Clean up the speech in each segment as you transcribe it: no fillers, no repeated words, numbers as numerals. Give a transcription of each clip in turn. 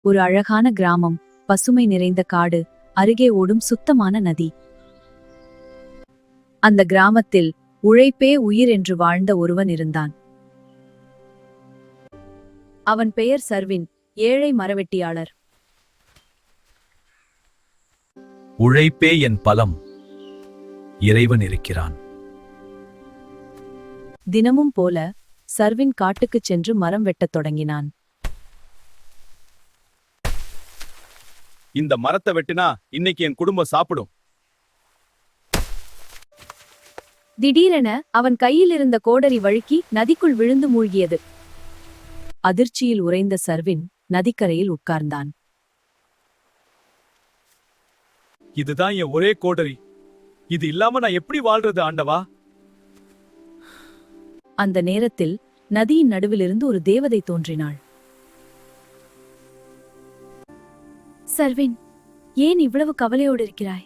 ஒரு அழகான கிராமம், பசுமை நிறைந்த காடு, அருகே ஓடும் சுத்தமான நதி. அந்த கிராமத்தில் உழைப்பே உயிர் என்று வாழ்ந்த ஒருவன் இருந்தான். அவன் பெயர் சர்வின், ஏழை மரவெட்டியாளர். உழைப்பே என் பலம், இறைவன் இருக்கிறான். தினமும் போல சர்வின் காட்டுக்குச் சென்று மரம் வெட்டத் தொடங்கினான். இந்த மரத்தை வெட்டினா இன்னைக்கு என் குடும்பம் சாப்பிடும். திடீரென அவன் கையில் இருந்த கோடரி வழுக்கி நதிக்குள் விழுந்து மூழ்கியது. அதிர்ச்சியில் உறைந்த சர்வின் நதிக்கரையில் உட்கார்ந்தான். இதுதான் என் ஒரே கோடரி. இது இல்லாம நான் எப்படி வாழ்றது ஆண்டவா? அந்த நேரத்தில் நதியின் நடுவிலிருந்து ஒரு தேவதை தோன்றினாள். சர்வின், ஏன் இவ்வளவு கவலையோடு இருக்கிறாய்?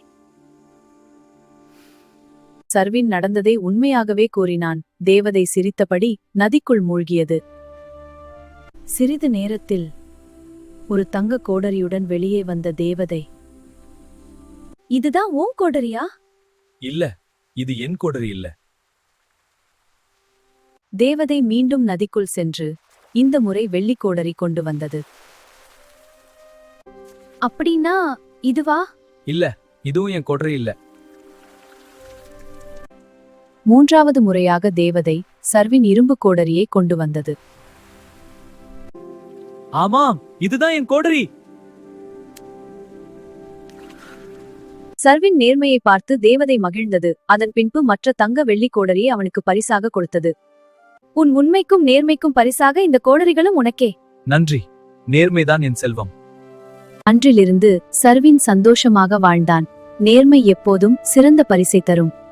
சர்வின் நடந்ததை உண்மையாகவே கூறினான். தேவதை சிரித்தபடி நதிக்குள் மூழ்கியது. சிறிது நேரத்தில் ஒரு தங்க கோடரியுடன் வெளியே வந்த தேவதை, இதுதான் உன் கோடரியா? இல்ல, இது என் கோடரி இல்ல. தேவதை மீண்டும் நதிக்குள் சென்று இந்த முறை வெள்ளி கோடரி கொண்டு வந்தது. அப்படின்னா இதுவா? இல்ல, இதுவும் என் கோடரி இல்ல. மூன்றாவது முறையாக தேவதை சர்வின் இரும்பு கோடரியை கொண்டு வந்தது. ஆமாம், இதுதான் என் கோடரி. சர்வின் நேர்மையை பார்த்து தேவதை மகிழ்ந்தது. அதன் பின்பு மற்ற தங்க வெள்ளி கோடரியை அவனுக்கு பரிசாக கொடுத்தது. உன் உண்மைக்கும் நேர்மைக்கும் பரிசாக இந்த கோடரிகளும் உனக்கே. நன்றி, நேர்மைதான் என் செல்வம். அன்றிலிருந்து சர்வின் சந்தோஷமாக வாழ்ந்தான். நேர்மை எப்போதும் சிறந்த பரிசை தரும்.